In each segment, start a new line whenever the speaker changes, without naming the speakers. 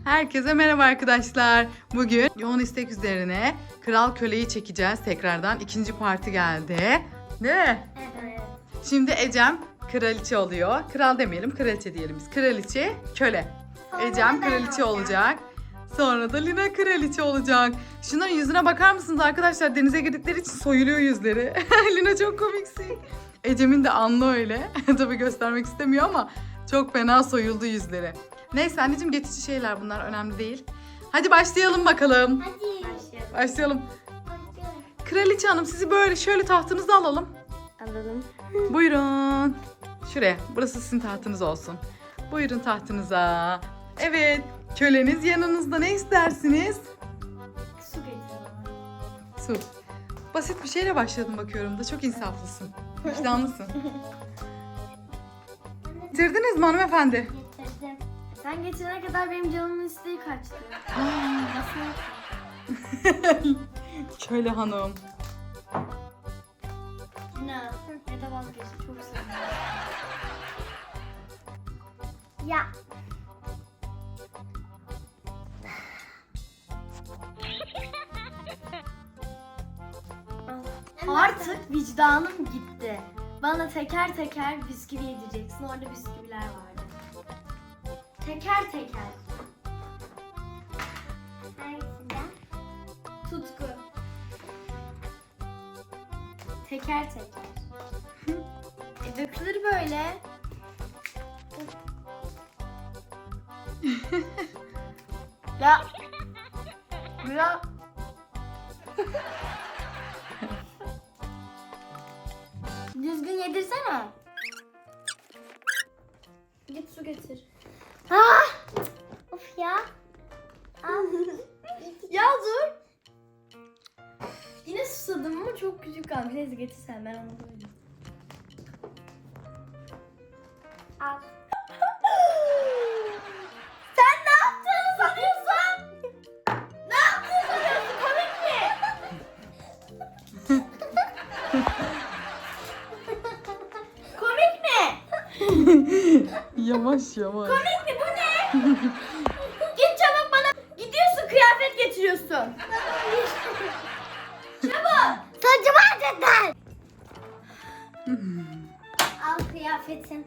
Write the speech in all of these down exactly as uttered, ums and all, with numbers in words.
Herkese merhaba arkadaşlar. Bugün yoğun istek üzerine Kral Köle'yi çekeceğiz tekrardan. İkinci parti geldi. Değil mi?
Evet.
Şimdi Ecem kraliçe oluyor. Kral demeyelim, kraliçe diyelim biz. Kraliçe, köle.
Sonra
Ecem
ben
kraliçe
olacağım.
olacak. Sonra da Lina kraliçe olacak. Şunların yüzüne bakar mısınız arkadaşlar? Denize girdikleri için soyuluyor yüzleri. Lina çok komiksin. Ecem'in de anlı öyle. Tabii göstermek istemiyor ama çok fena soyuldu yüzleri. Neyse anneciğim, geçici şeyler bunlar, önemli değil. Hadi başlayalım bakalım.
Hadi. Başlayalım.
Başlayalım.
Başlayalım.
Kraliçe hanım, sizi böyle şöyle tahtınıza alalım.
Alalım.
Buyurun. Şuraya. Burası sizin tahtınız olsun. Buyurun tahtınıza. Evet. Köleniz yanınızda, ne istersiniz?
Su getiriyorum.
Su. Basit bir şeyle başladım bakıyorum da, çok insaflısın. Vicdanlısın. Getirdiniz mi hanımefendi?
Getirdim. Sen getirene kadar benim canımın isteği kaçtı. Nasıl?
Köle hanım.
Ne? Ya da vazgeçtim. Çok seviyorum. Ya. Artık vicdanım gitti. Bana teker teker bisküvi yedireceksin. Orada bisküviler vardı. Teker teker. Hangisinden? Tutku. Teker teker. e dökülür böyle. ya. Ya. Düzgün yedirsene. Git su getir. Ah! Of ya. ya dur. Yine susadım ama çok küçük kalmış. Neyse getirsen, ben onu koydum. Al. Sen ne yaptığını sanıyorsun? Ne yaptığını sanıyorsun? Komik mi? Komik mi?
Yavaş yavaş.
Komik mi? Bu ne? Git çabuk bana. Gidiyorsun, kıyafet getiriyorsun. Çabuk. Saçımı acıttın. Al kıyafetin.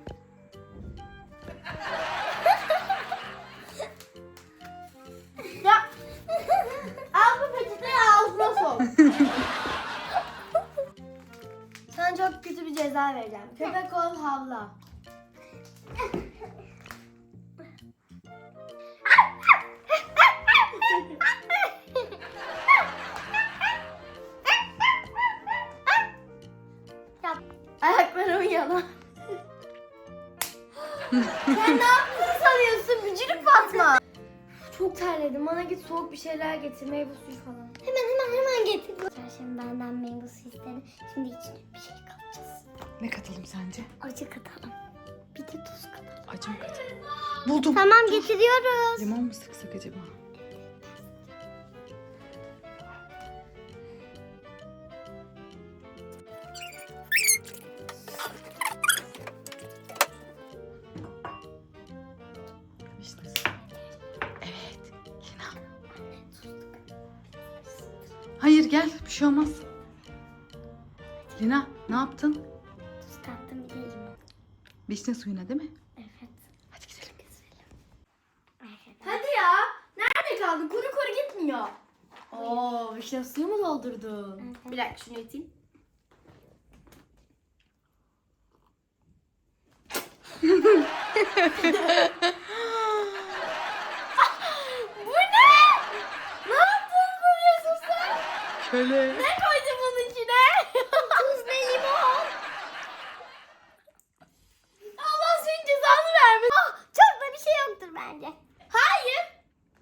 ya. Al bu peçeteyi, ağzına sok. Sana çok kötü bir ceza vereceğim. Köpek ol, havla. Ayaklarım yana. Sen ne yaptığını sanıyorsun? Bücürük Fatma. Çok terledim. Bana git soğuk bir şeyler getir. Meyve suyu falan. Hemen hemen hemen getir. Sen şimdi benden meyve suyu istedin. Şimdi içine bir şey katacağız.
Ne katalım sence?
Acı katalım. Bir de tuz katalım.
Acı mı katalım? Buldum.
Tamam, getiriyoruz.
Limon mu sıksak acaba? İşte. Evet. Lina. Hayır, gel. Bir şey olmaz. Lina, ne yaptın?
Tuz kattım, bir de limon.
Vişne suyuna değil mi?
Evet.
Hadi gidelim.
Hadi ya. Nerede kaldın? Kuru kuru gitmiyor. Oo, vişne suyu mu doldurdun? Evet. Bir dakika, şunu iteyim. Bu ne? Ne yaptın, koyuyorsun sen?
Köle.
Ne koydun bunun içine? Tuz ve limon. Allah senin cezanı vermesin. Oh, çok da bir şey yoktur bence. Hayır.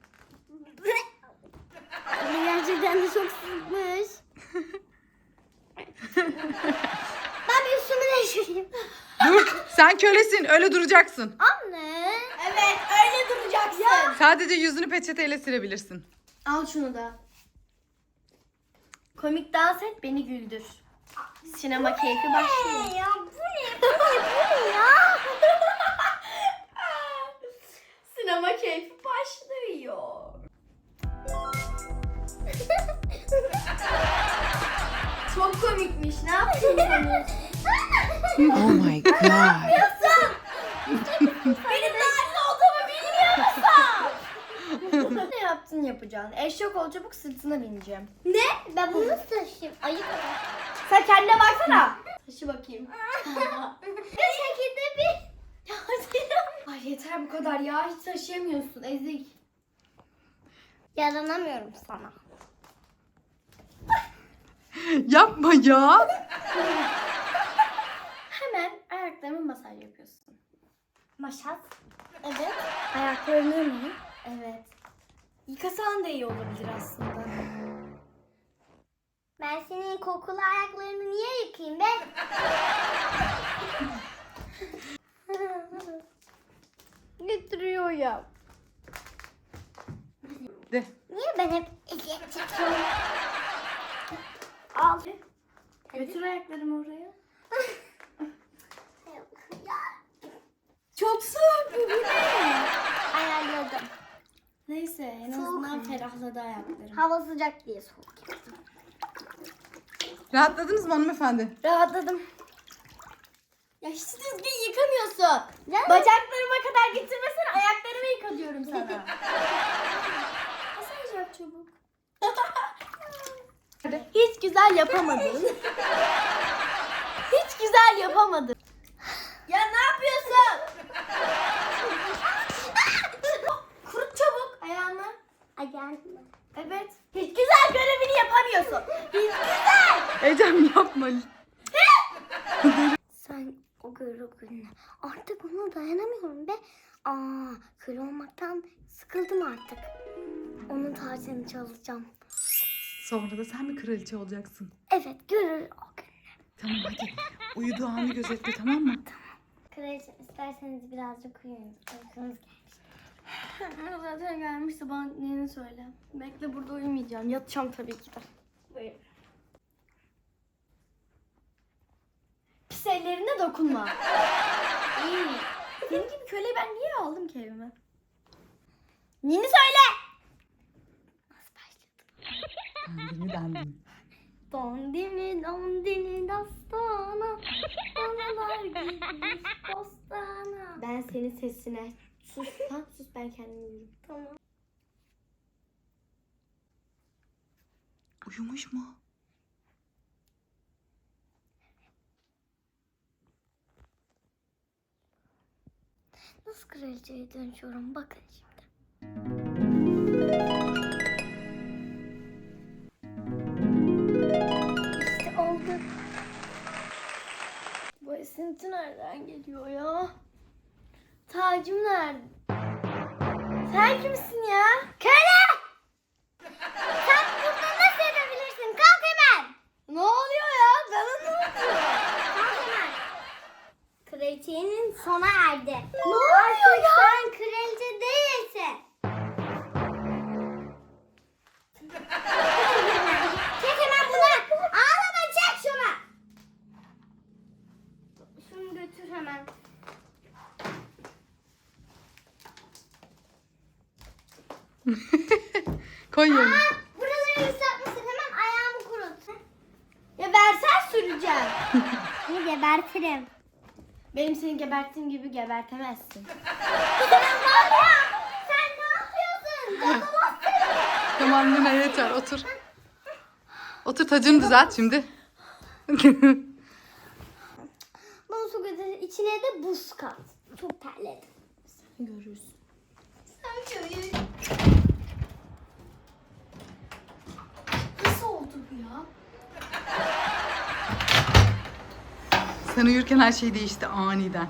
Gerçekten de çok sıkmış. Ben bir üstümü değiştireyim.
Dur, sen kölesin, öyle duracaksın.
Anne. Evet, öyle duracaksın. Ya.
Sadece yüzünü peçeteyle silebilirsin.
Al şunu da. Komik dans et, beni güldür. Sinema keyfi başlıyor. Ya bu ne? Bu ne ya? Sinema keyfi başlıyor. Çok komikmiş. Ne yaptın?
Oh my god.
Benim nerede olduğumu bilmiyor musun? Ne yaptın yapacağın? Eşek ol çabuk, sırtına bineceğim. Ne? Ben bunu nasıl taşıyayım? Ayıp kadar. Sen kendine baksana. Taşı bakayım. Bir şekilde bir... Ay yeter bu kadar ya. Hiç taşıyamıyorsun ezik. Yaranamıyorum sana.
Yapma ya.
Hemen ayaklarımı masaj yapıyorsun. Masaj? Evet. Ayaklarını mı? Evet. Yıkasan da iyi olabilir aslında. Ben senin kokulu ayaklarını niye yıkayayım be? Götürüyor ya.
De.
Niye ben hep eziyet çekiyorum? Al. Götür ayaklarımı oraya. Çok soğuk bu, bu ne? Ayarladım. Neyse en azından ferahladı ayaklarım. Hava sıcak diye soğuk.
Rahatladınız mı hanımefendi?
Rahatladım. Ya hiç düzgün yıkamıyorsun. Bacaklarıma kadar getirmesene, ayaklarımı yıka diyorum sana. Masaj yap çabuk. Hiç güzel yapamadın. Hiç güzel yapamadın. Ya ne yapıyorsun? Kurut çabuk ayağını. Ayağını. Evet. Hiç güzel görevini yapamıyorsun. Hiç güzel.
Ecem yapma.
Sen o görevini artık ona dayanamıyorum be. Aa, köle olmaktan sıkıldım artık. Onun tacını çalacağım.
Sonra da sen mi kraliçe olacaksın?
Evet, görür o gün.
Tamam hadi. Uyuduğu anı gözetle, tamam mı?
Kraliçem isterseniz birazcık uyuyun. Uykunuz gelmiş. Zaten gelmişse bana neyini söyle. Bekle, burada uyumayacağım. Yatacağım tabii ki de. Buyurun. Pis ellerine dokunma. İyi. Senin gibi köleyi ben niye aldım ki evime? Neyini söyle. Nasıl başladı?
Dandini dandini.
Dandini dandini dastana, danalar gitmiş bostana. Ben senin sesine. Sus, tamam sus, ben kendim uyurum. Tamam.
Uyumuş mu?
Nasıl kraliçeye dönüşüyorum bakın şimdi. İşte oldu. Bu esinti nereden geliyor ya? Tacım nerede? Sen kimsin ya? Köle! Sen burada nasıl yapabilirsin? Kalk hemen! Ne oluyor ya? Bana ne oluyor? Kalk hemen. Kraliçenin sona erdi. Ne oluyor ya? Sen kraliçe değilsin. Çek hemen bunu. Ağlama, çek şunu. Şunu götür hemen.
Koy yerine.
Aa, buraları ıslatmışsın. Hemen ayağımı kurut. Ya versen süreceğim. Seni gebertirim. Benim seni geberttiğim gibi gebertemezsin. Sen var ya. Sen ne yapıyorsun?
Tamam Lina yeter, otur. Otur, tacını düzelt şimdi.
Bunu su götür. İçine de buz kat. Çok terledim. Sen görürsün. Sen görürsün. Nasıl oldu bu ya?
Sen uyurken her şey değişti aniden.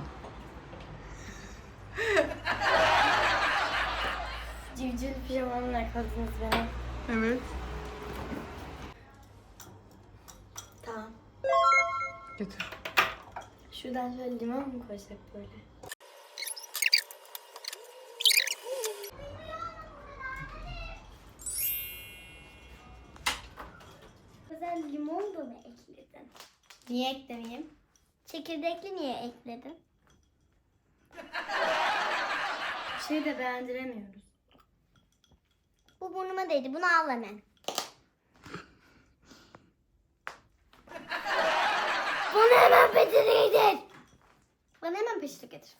Civciv pijamamla yakaladınız beni.
Evet.
Tamam.
Götür.
Şuradan şöyle limon mu koysak böyle? Özel limon da mı ekledin? Niye eklemeyeyim? Çekirdekli niye ekledin?
Hiçbir şey de beğendiremiyoruz.
Bu burnuma değdi. Bunu al hemen. Bana hemen peçete getir. Bana hemen peçete getir.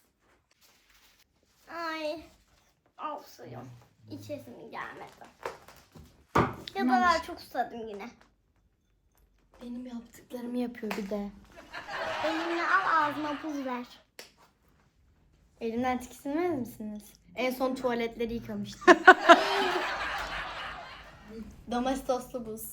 Ay. Al suyu. İçesim gelmedi. Ya da ben çok susadım yine.
Benim yaptıklarımı yapıyor bir de.
Elimle al ağzıma buz ver.
Elimden tiksinmez misiniz? En son tuvaletleri yıkamıştım. Domestoslu buz.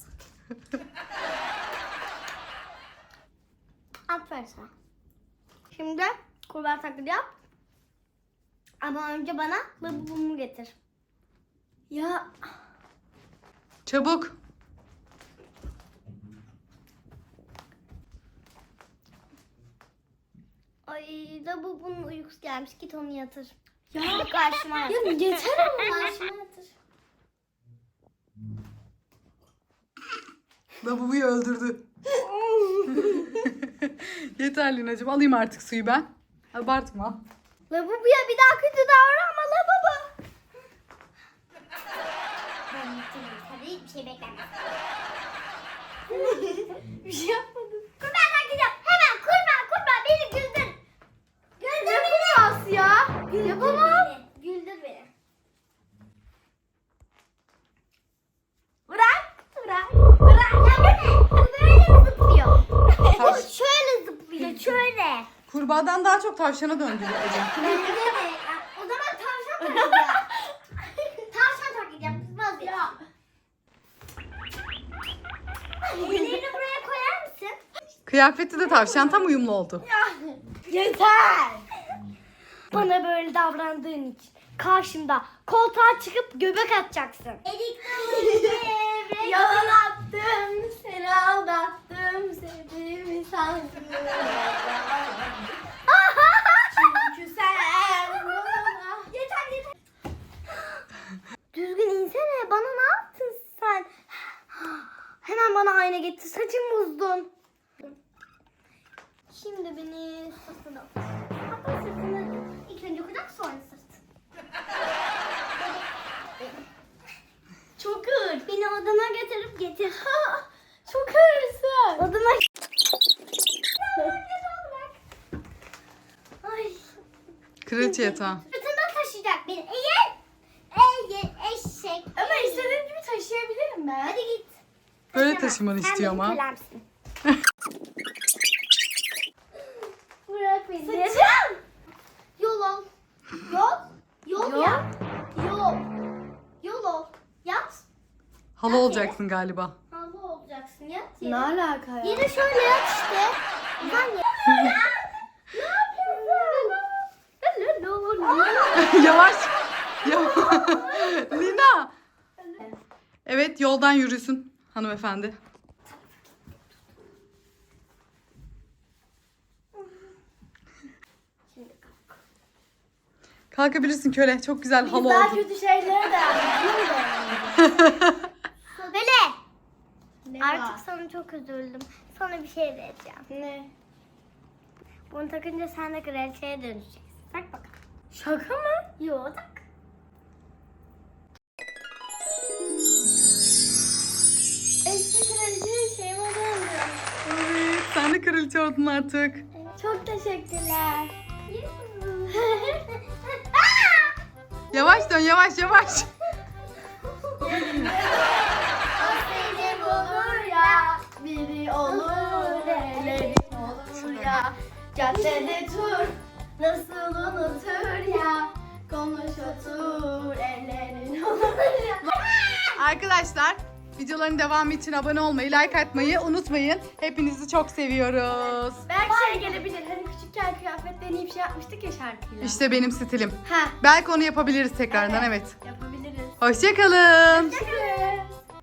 Aferin sana. Şimdi kurbağa taklidi yap. Ama önce bana labubumu getir.
Ya
Çabuk.
Ay labubunun uykusu gelmiş. Git onu yatır.
ya
Karşıma yatır.
ya yeter ama.
Karşıma yatır.
Lavaboyu öldürdü. Yeter Lina'cığım, alayım artık suyu ben. Abartma.
Labubuya bir daha kötü davranma labubu. Ben yatırım. Tabii hiçbir şey beklemez.
Bir şey yapmadım.
Kurbağa taklidi yap. Hemen kurbağa kurbağa beni güldür. Güldür
Ne
beni.
kurbağası ya?
Güldür
Yapamam.
beni. Güldür beni. Bırak. Bırak. Bırak. Ya bu ne? Bu böyle zıplıyor. Bu şöyle zıplıyor. Şöyle.
Kurbağadan daha çok tavşana döndü Ece.
Bence de. O zaman tavşan taklidi yap. Tavşan taklidi yap. Kızmaz ya. Ellerini buraya koyar mısın?
Kıyafeti de tavşan tam uyumlu oldu.
Yeter.
Bana böyle davrandığın için karşımda koltuğa çıkıp göbek atacaksın. Elik
Yalan attım, seni aldattım, sevdiğimi sandım. Çünkü sen bana...
Yeter yeter. Düzgün insene. Bana ne yaptın sen? Hemen bana ayna getir. Saçım bozdun. Şimdi beni sırtına. Hatta sırtını ilk önce kucak sonra sırt.
Çok ağır.
Beni odama götürüp getir.
Çok ağırsın.
Odama Ay.
Kraliçe yatağı.
Sırtından taşıyacak beni. Eğer eğer eşek.
Ama istediğim gibi taşıyabilirim ben.
Hadi git.
Böyle
Taşıyamam.
taşımanı
Sen
istiyor
benim
ama.
kölemsin. Bırak beni.
Saçım.
Yol ol. Yol. Yol
Yol.
yap. Yol. Yol ol. Yat.
Hala olacaksın galiba.
Halı olacaksın. Yat
Ne
yere.
alaka ya?
Yine şöyle yat işte. Uzan yere. Ne yapıyorsun?
Yavaş. Yavaş. Lina. Evet, yoldan yürüsün hanımefendi.
Şimdi kalk.
Kalkabilirsin köle. Çok güzel halı
Daha
oldu.
kötü şeylere de yapıyorum.
Böyle.
Ne
Artık
var?
sana çok üzüldüm. Sana bir şey vereceğim.
Ne?
Bunu takınca sen de kraliçeye döneceksin. Tak bakalım.
Şaka mı?
Yo tak.
Eski kraliçe şeyime döndüm.
Evet, sen de kraliçe oldun artık.
Çok teşekkürler.
Yavaş dön, yavaş yavaş.
Seni bulur ya, biri olur, ellerin olur ya. Caddede tur, nasıl unutur ya. Konuş otur, ellerin olur ya.
Arkadaşlar, videoların devamı için abone olmayı, like atmayı unutmayın. Hepinizi çok seviyoruz.
Belki şey gelebilir, hani küçükken kıyafet deneyip şey yapmıştık ya şarkıyla.
İşte benim stilim.
Ha,
Belki onu yapabiliriz tekrardan, evet.
yapabiliriz.
Hoşçakalın.
Teşekkür